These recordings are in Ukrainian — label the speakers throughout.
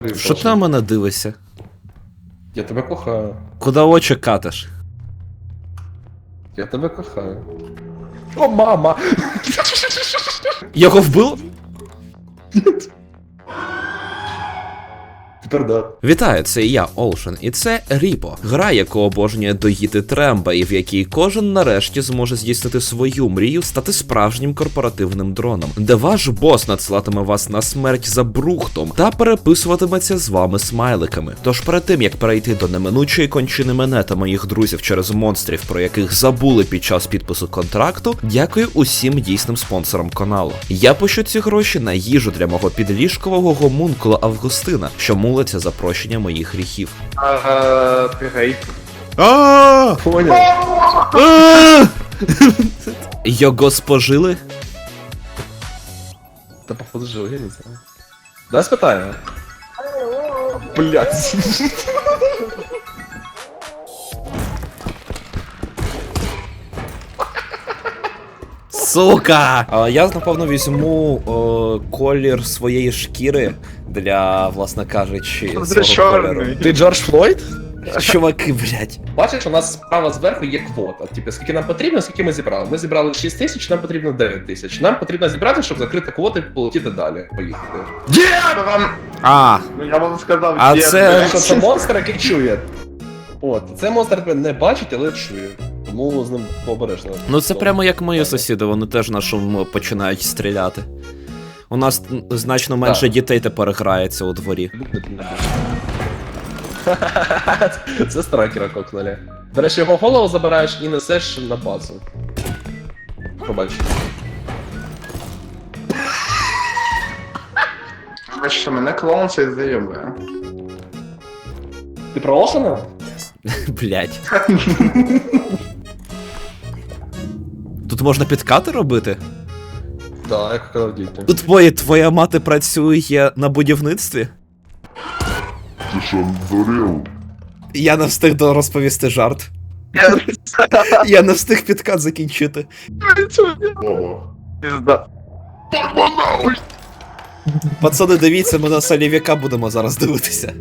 Speaker 1: Що ти на мене дивишся?
Speaker 2: Я тебе кохаю.
Speaker 1: Куди очі катиш?
Speaker 2: Я тебе кохаю. О, мама!
Speaker 1: Його вбило?
Speaker 2: Тепер да.
Speaker 1: Вітаю, це я, Ocean, і це Ріпо. Гра, яку обожнює доїти Тремба, і в якій кожен нарешті зможе здійснити свою мрію стати справжнім корпоративним дроном, де ваш бос надсилатиме вас на смерть за брухтом та переписуватиметься з вами смайликами. Тож перед тим, як перейти до неминучої кончини мене та моїх друзів через монстрів, про яких забули під час підпису контракту, дякую усім дійсним спонсорам каналу. Я пощу ці гроші на їжу для мого підліжкового гомункула Августина, що молиться за прощення моїх гріхів.
Speaker 3: Пігей.
Speaker 2: Понял.
Speaker 1: Його спожили?
Speaker 2: Та походу жил, я не знаю. Да, спитаємо. Блять.
Speaker 1: Сука! Я, напевно, візьму колір своєї шкіри для, власне кажучи,
Speaker 3: Це
Speaker 1: свого кольору.
Speaker 3: чорний.
Speaker 2: Ти Джордж Флойд?
Speaker 1: Чуваки, блядь.
Speaker 2: Бачиш, у нас справа зверху є квота. Типу, скільки нам потрібно, скільки ми зібрали. Ми зібрали 6 тисяч, нам потрібно 9 тисяч. Нам потрібно зібрати, щоб закрити квоти і полетіти далі. Поїхати.
Speaker 1: А,
Speaker 3: Ну я вам сказав,
Speaker 1: А
Speaker 3: є,
Speaker 1: це-
Speaker 3: блядь.
Speaker 2: Що це монстр, який чує. От, це монстр тебе не бачить, але чує. Тому з ним обережно.
Speaker 1: ну це прямо як мої сусіди, вони теж на шум починають стріляти. У нас значно менше
Speaker 2: Так.
Speaker 1: дітей тепер грається у дворі.
Speaker 2: Це страйкера кокнули. До речі, його голову забираєш і несеш на базу. Пробач.
Speaker 3: Бачите, мене клоун цей заєбує.
Speaker 2: Ти про Ошена?
Speaker 1: Блядь. Тут можна підкати робити?
Speaker 2: Так, як казав діти.
Speaker 1: Тут твоя мати працює на будівництві?
Speaker 4: Ти що, здурів?
Speaker 1: Я не встиг розповісти жарт. Я не встиг підкат закінчити.
Speaker 4: Баба.
Speaker 3: Пізда.
Speaker 1: Пацани, дивіться, ми на Салів'яка будемо зараз дивитися.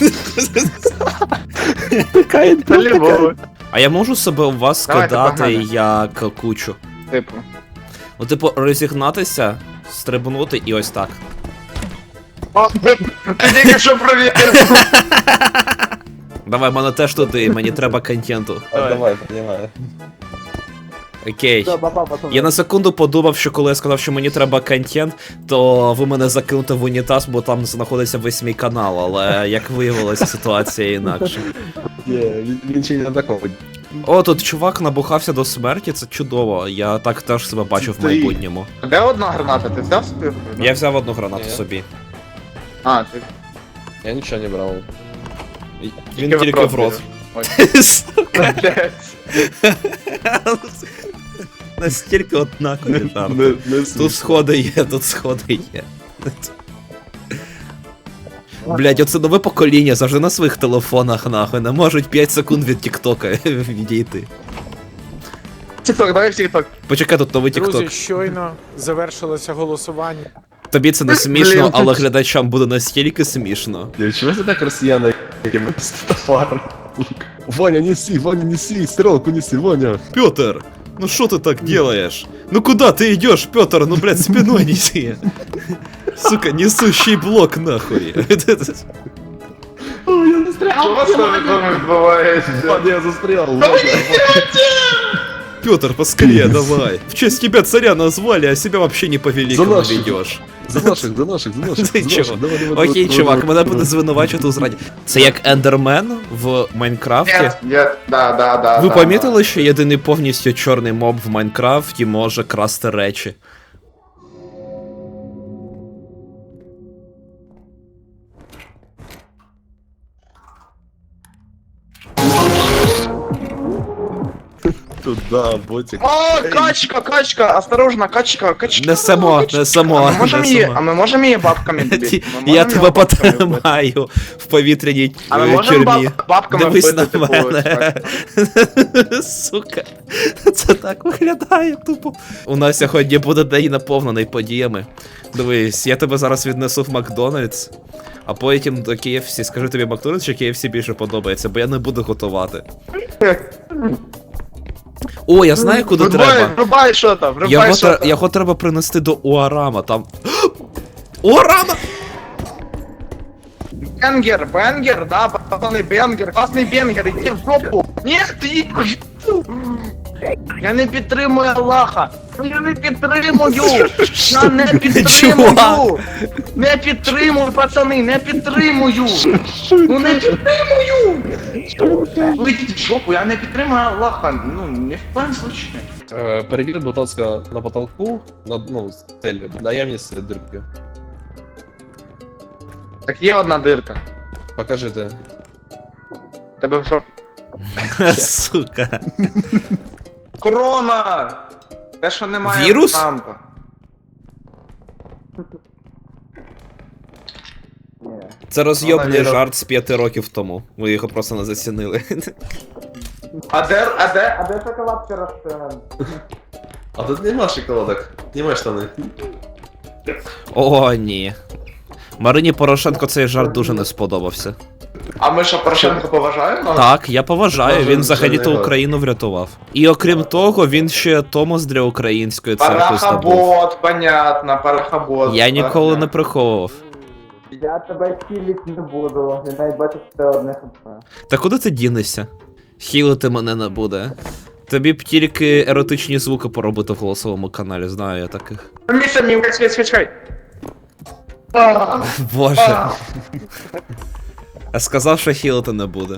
Speaker 3: Та лівого.
Speaker 1: А я можу себе у вас
Speaker 3: Давайте,
Speaker 1: скидати
Speaker 3: погнали.
Speaker 1: як кучу?
Speaker 3: Типу.
Speaker 1: Ну, типу, розігнатися, стрибнути і ось так.
Speaker 3: О, ти тільки що провірив.
Speaker 1: Давай, мене теж туди, мені треба контенту.
Speaker 2: Давай, піднімай.
Speaker 1: Окей. Я на секунду подумав, що коли я сказав, що мені треба контент, то ви мене закинете в унітаз, бо там знаходиться весь мій канал, але як виявилося, ситуація інакше.
Speaker 2: Він ще не такого.
Speaker 1: О, тут чувак набухався до смерті, це чудово. Я так теж себе бачу в майбутньому.
Speaker 3: Де одна граната? Ти взяв собі?
Speaker 1: Я взяв одну гранату
Speaker 2: Ні.
Speaker 1: собі.
Speaker 3: А, ти
Speaker 2: Я нічого не брав.
Speaker 1: Він тільки в рот. Сука, настільки однакові жарти. Тут сходи є, тут сходи є. Блять, оце нове покоління, завжди на своїх телефонах, нахуй, не можуть 5 секунд від Тіктока відійти.
Speaker 3: Тік-ток, давай в тік-ток.
Speaker 1: Почекай, тут новий Тікток.
Speaker 5: Друзі, щойно завершилося голосування.
Speaker 1: Тобі це не смішно,
Speaker 3: Блін.
Speaker 1: але глядачам буде настільки смішно.
Speaker 2: Чого це так росіяни, якими стафар? Ваня, неси, стрелку неси, Ваня.
Speaker 1: Петр, ну что ты так делаешь? Ну куда ты идешь, Петр? Ну, блядь, спиной неси. Сука, несущий блок, нахуй.
Speaker 2: О, я застрял.
Speaker 3: Що у вас там відбувається?
Speaker 2: Ваня, я застрял.
Speaker 1: Петр, поскорее давай. В честь тебя царя назвали, а себя вообще не по-великому
Speaker 2: наших.
Speaker 1: ведешь.
Speaker 2: За наших.
Speaker 1: Ти чого? Окей, чувак, мене буде звинувачувати у зраді. Це як Ендермен в Майнкрафті.
Speaker 3: Да.
Speaker 1: Ви помітили, що єдиний повністю чорний моб в Майнкрафті може красти речі?
Speaker 2: Туда, ботик.
Speaker 3: О, качка, осторожно, качка.
Speaker 1: Несемо.
Speaker 3: А ми можемо її бабками добити? Ми
Speaker 1: Я
Speaker 3: можемо
Speaker 1: тебе
Speaker 3: його бабками вбити?
Speaker 1: потримаю в повітряній
Speaker 3: А ми можемо
Speaker 1: тюрмі.
Speaker 3: бабками
Speaker 1: Дивись
Speaker 3: вбити,
Speaker 1: на
Speaker 3: типу,
Speaker 1: мене. Сука. Це так виглядає тупо. У нас сьогодні буде день наповнений подіями. Дивись, я тебе зараз віднесу в Макдональдс. А потім до KFC. Скажи тобі, Макдональдс чи KFC більше подобається, бо я не буду готувати. О, я знаю, куди треба.
Speaker 3: Врубай що там, врубай що там.
Speaker 1: Його треба принести до Уарама, там. Уарама!
Speaker 3: Бенгер, да, пацаны, бенгер, класний бенгер, іди в жопу. Ні, ти. Я не підтримую Аллаха. Я не підтримую. Я не підтримую. Не підтримую, пацани, не підтримую. Ну не підтримую. Ви йдіть в жопу, я не підтримую Аллаха. Ну, не в коем случае.
Speaker 2: Перевір, будь ласка, на потолку, ну, стелю, наявність дирки.
Speaker 3: Так є одна дирка.
Speaker 2: Покажите.
Speaker 3: Тебе що?
Speaker 1: Сука.
Speaker 3: Корона! Те, що немає
Speaker 1: Вірус?
Speaker 3: штампа.
Speaker 1: Це розйобний
Speaker 3: Вона віра-
Speaker 1: жарт з 5 років тому. Ви його просто не зацінили.
Speaker 3: А де шоколадки розстріляні?
Speaker 2: А тут нема шоколадок, нема штани.
Speaker 1: О, ні. Марині Порошенко цей жарт дуже не сподобався.
Speaker 3: А ми що, Порошенко поважаємо?
Speaker 1: Так, я поважаю,
Speaker 2: Може,
Speaker 1: він
Speaker 2: вже
Speaker 1: взагалі-то
Speaker 2: не
Speaker 1: Україну врятував. І окрім того, він ще Томос для української церкви здобув.
Speaker 3: Парахобот, понятно, парахобот.
Speaker 1: Я ніколи не приховував.
Speaker 3: Я тебе хілить не буду, не дай бачити це одне хп.
Speaker 1: Та куди ти дінешся? Хілити мене не буде. Тобі б тільки еротичні звуки поробити в голосовому каналі, знаю я таких.
Speaker 3: Міша, мій свічай.
Speaker 1: Боже. Я сказав, що хілити не буде.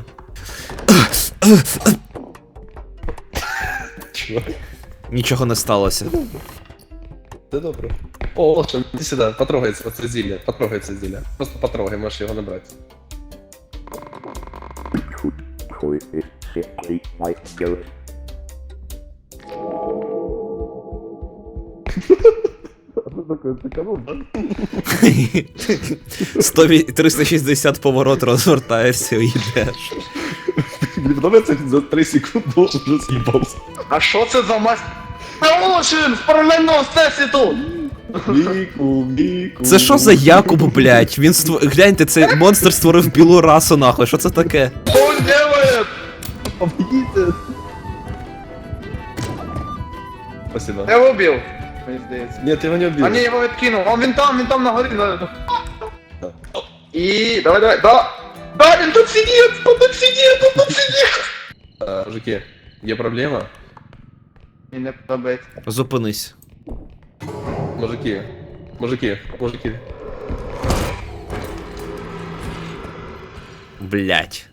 Speaker 1: Нічого не сталося.
Speaker 2: Це добре. О, Олшен, іди сюди, потрогай це зілля, потрогай це зілля. Просто потрогай, можеш його набрати.
Speaker 1: Сто 360 поворот розвертаєшся і йдеш.
Speaker 2: Мені подобається, за 3 секунди вже з'їбався.
Speaker 3: А що це за мась? Олшин, в паралельному всесвіту!
Speaker 2: Міку.
Speaker 1: Це що за Якуб, блять? Він гляньте, цей монстр створив білу расу, нахуй, що це таке?
Speaker 3: Що він делает?
Speaker 2: Помогите. Спасибо.
Speaker 3: Я його убив. Мені здається.
Speaker 2: Нет, я его не убил.
Speaker 3: А ні, його відкинув. Він там на горі. І... Давай, да! Да, він тут сидить! Тут сидить!
Speaker 2: Мужики, є проблема?
Speaker 3: Мені не подобається.
Speaker 1: Зупинись.
Speaker 2: Мужики.
Speaker 1: Блять.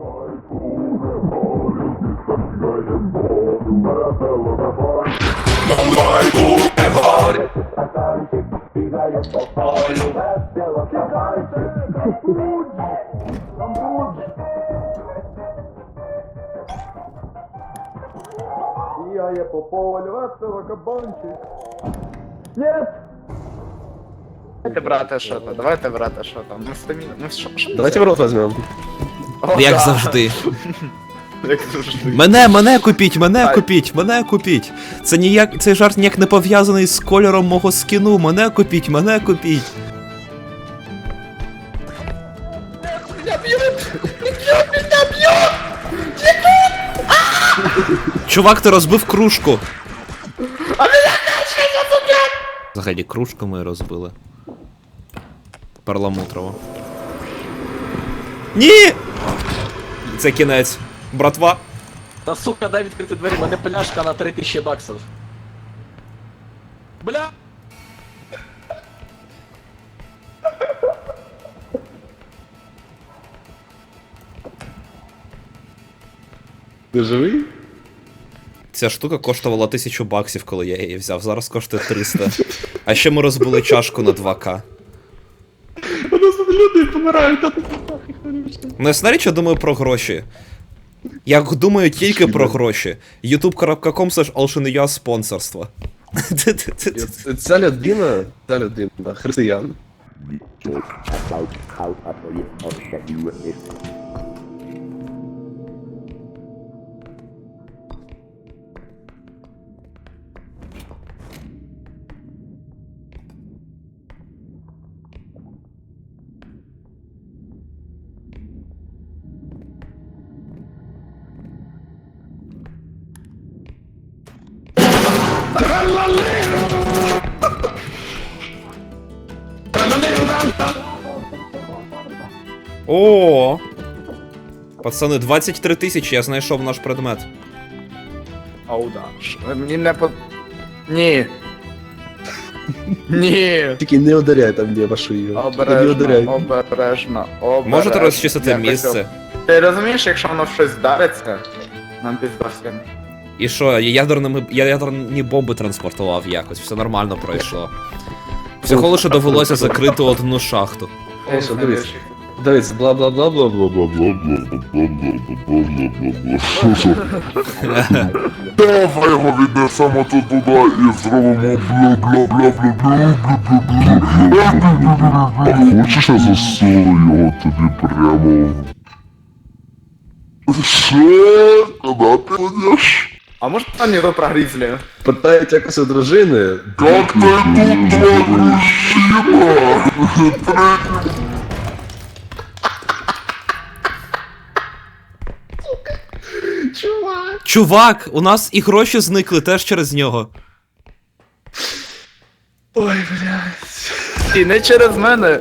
Speaker 3: Бігає по полю, весело кабанчик. Нет! Давайте, брате, що там? Ми самі, що?
Speaker 2: Давайте в рот возьмем.
Speaker 1: Як завжди. Мене купіть. Цей жарт ніяк не пов'язаний з кольором мого скіну. Мене купіть. Чувак, ти розбив кружку. Взагалі, кружку ми розбили. Перламутрово. Ні! Це кінець. Братва.
Speaker 6: Та сука, дай відкрити двері, мене пляшка на 3000 баксів. Бля!
Speaker 2: Ти живий?
Speaker 1: Ця штука коштувала 1000 баксів, коли я її взяв. Зараз коштує 300. А ще ми розбили чашку на 2К.
Speaker 2: У нас тут люди помирають, а ти
Speaker 1: Ну, я смотри, що думаю про гроші. Я думаю тільки про гроші. youtube.com/alshin.ua спонсорство.
Speaker 2: Ця людина, християн.
Speaker 1: О! Пацани, 23 тисячі, я знайшов наш предмет.
Speaker 3: Оу, да. Мені не по... Ні. Ні.
Speaker 2: Тільки не ударяй там, де вашу її.
Speaker 3: Обережно, обережно.
Speaker 1: Можете розчистити
Speaker 3: Якось
Speaker 1: місце?
Speaker 3: Ти розумієш, якщо воно в щось вдариться, нам пізда всім.
Speaker 1: І що, я ядерні бомби транспортував якось, все нормально пройшло. Всього лише довелося закрити одну шахту.
Speaker 2: Олсен, дивись. Дивись, бла-бла-бла-бла-бла-бла-бла-бла-бла.
Speaker 4: Давай його віднесемо тут туди і зробимо бла-бла-бла-бла-бла-бла-бла-бла-бла. Хочеш, я засуну його тобі прямо? Що? Куди ти йдеш?
Speaker 3: А може анекдот про грізлі?
Speaker 2: Питають якось у дружини.
Speaker 4: Як ти тут твоя мужчина?
Speaker 1: Чувак, у нас і гроші зникли теж через нього.
Speaker 3: І не через мене.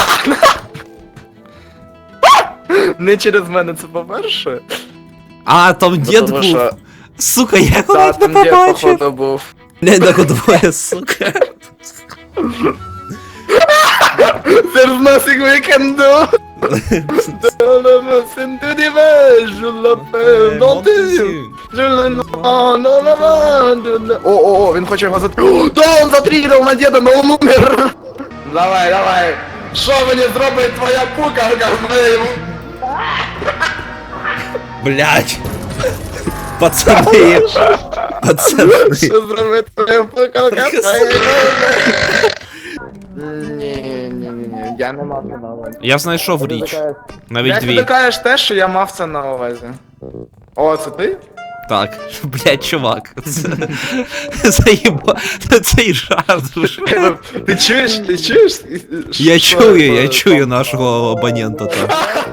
Speaker 3: Не через мене, це по-перше.
Speaker 1: А, там дід
Speaker 3: Тому
Speaker 1: був.
Speaker 3: що-
Speaker 1: Сука, я
Speaker 3: Та,
Speaker 1: навіть не
Speaker 3: там дід,
Speaker 1: побачив.
Speaker 3: походу, був.
Speaker 1: Блядь, так двоє, сука.
Speaker 3: There's nothing we can do. О, він хоче його затрігати. Да, он затрігав на діда, но он умер. Давай, давай. Що мені зробить твоя пукалка з моєю?
Speaker 1: Блядь. Пацани. Пацани.
Speaker 3: Що зробить твоя пукалка з моєю? Ні, я не мав це на увазі.
Speaker 1: Я знайшов річ. Навіть
Speaker 3: Як ти
Speaker 1: дві.
Speaker 3: докажеш те, що я мав це на увазі? О, це ти?
Speaker 1: Так. Блядь, чувак. Заїба. Цей жарт вже.
Speaker 3: Ти чуєш? Ти чуєш?
Speaker 1: Я
Speaker 3: Що
Speaker 1: чую
Speaker 3: це?
Speaker 1: нашого абонента там.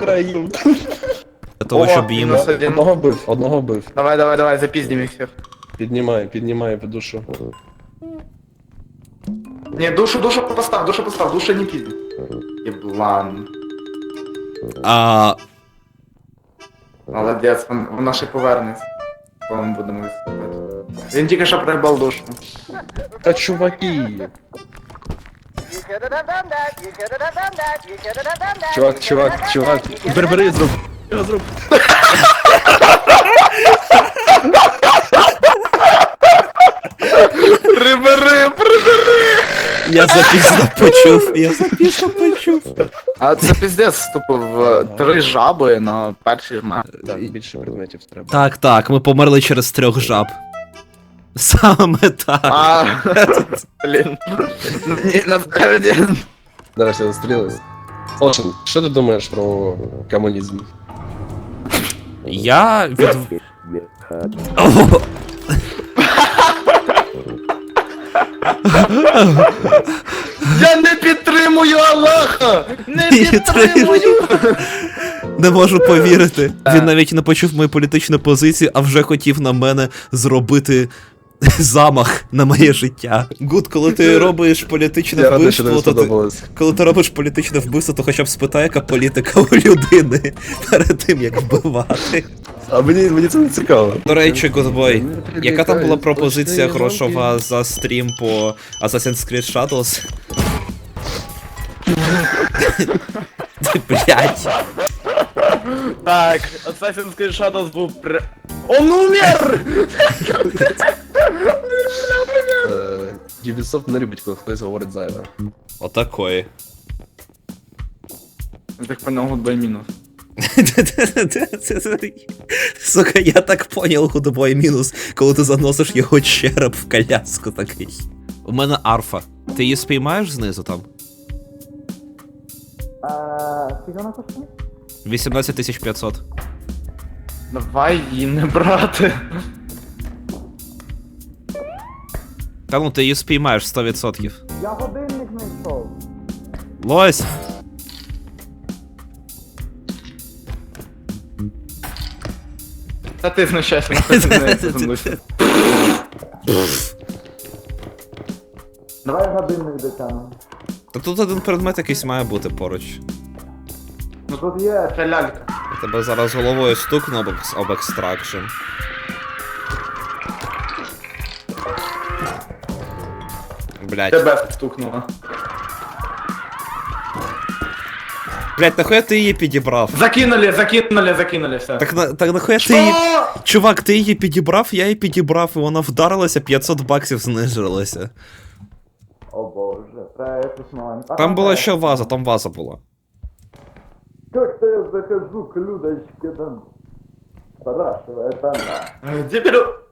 Speaker 1: Для того, щоб їм...
Speaker 3: мінус один.
Speaker 2: Одного бив.
Speaker 3: Давай, запіздім їх всіх.
Speaker 2: Піднімай по душу.
Speaker 3: Ні, душу постав, душу не пізді. Єблан.
Speaker 1: А...
Speaker 3: Молодець, вона ще повернеться. Коли ми будемо відступати. Він тільки що пригбав душу.
Speaker 2: Та чуваки. Чувак. Бери, зроб.
Speaker 3: Прибери!
Speaker 1: Я запізно почув.
Speaker 3: А це піздець вступив в 3 жаби на першій жмах.
Speaker 2: Так, більше предметів треба.
Speaker 1: Так, ми померли через 3 жаб. Саме так.
Speaker 3: А, блін. Ні, насправді.
Speaker 2: Нарешті застрілились. Олсен, що ти думаєш про комунізм?
Speaker 1: Я від... О,
Speaker 3: Я не підтримую Аллаха! Не
Speaker 1: підтримую!
Speaker 3: підтримую!
Speaker 1: не можу повірити. Він навіть не почув мою політичну позицію, а вже хотів на мене зробити замах на моє життя. Гуд, коли ти робиш політичне
Speaker 2: Я радий, що тобі
Speaker 1: вбивство, то
Speaker 2: сподобалось.
Speaker 1: коли ти робиш політичне вбивство, то хоча б спитай, яка політика у людини перед тим, як вбивати.
Speaker 2: А мені це не цікаво.
Speaker 1: До речі, Гудбой, яка там була пропозиція грошова за стрім по Assassin's Creed Shadows? Блять.
Speaker 3: Так, Assassin's Creed Shadows був Он умер!
Speaker 2: Ubisoft не любить, коли хтось говорить зайве.
Speaker 1: Отакої.
Speaker 3: Я так понял, гудбай мінус.
Speaker 1: Сука, я так понял, Гудбой мінус, коли ти заносиш його череп в коляску такий. У мене арфа. Ти її спіймаєш знизу там?
Speaker 3: Скільки вона коштує?
Speaker 1: 18500.
Speaker 3: Давай її не брати.
Speaker 1: Та ну ти її спіймаєш 100%.
Speaker 3: Я годинник знайшов.
Speaker 1: Лось!
Speaker 3: Та ти знущайся, на це зі мною. Давай годинник дотягнемо.
Speaker 1: Та тут один предмет якийсь має бути поруч.
Speaker 3: Ну тут є ця лялька.
Speaker 1: Я тебе зараз головою стукну об екстракшн. Блять.
Speaker 3: Тебе стукнуло.
Speaker 1: Блять, нахуя ти її підібрав?
Speaker 3: Закинули, все.
Speaker 1: Так нахуя ти її... Чувак, ти її підібрав, я її підібрав, і вона вдарилася, 500 баксів знижувалася.
Speaker 3: О боже, треба якось маленько.
Speaker 1: Там була ще ваза, там ваза була.
Speaker 3: Как-то я захожу к Людочке там. Спрашивает она. Теперь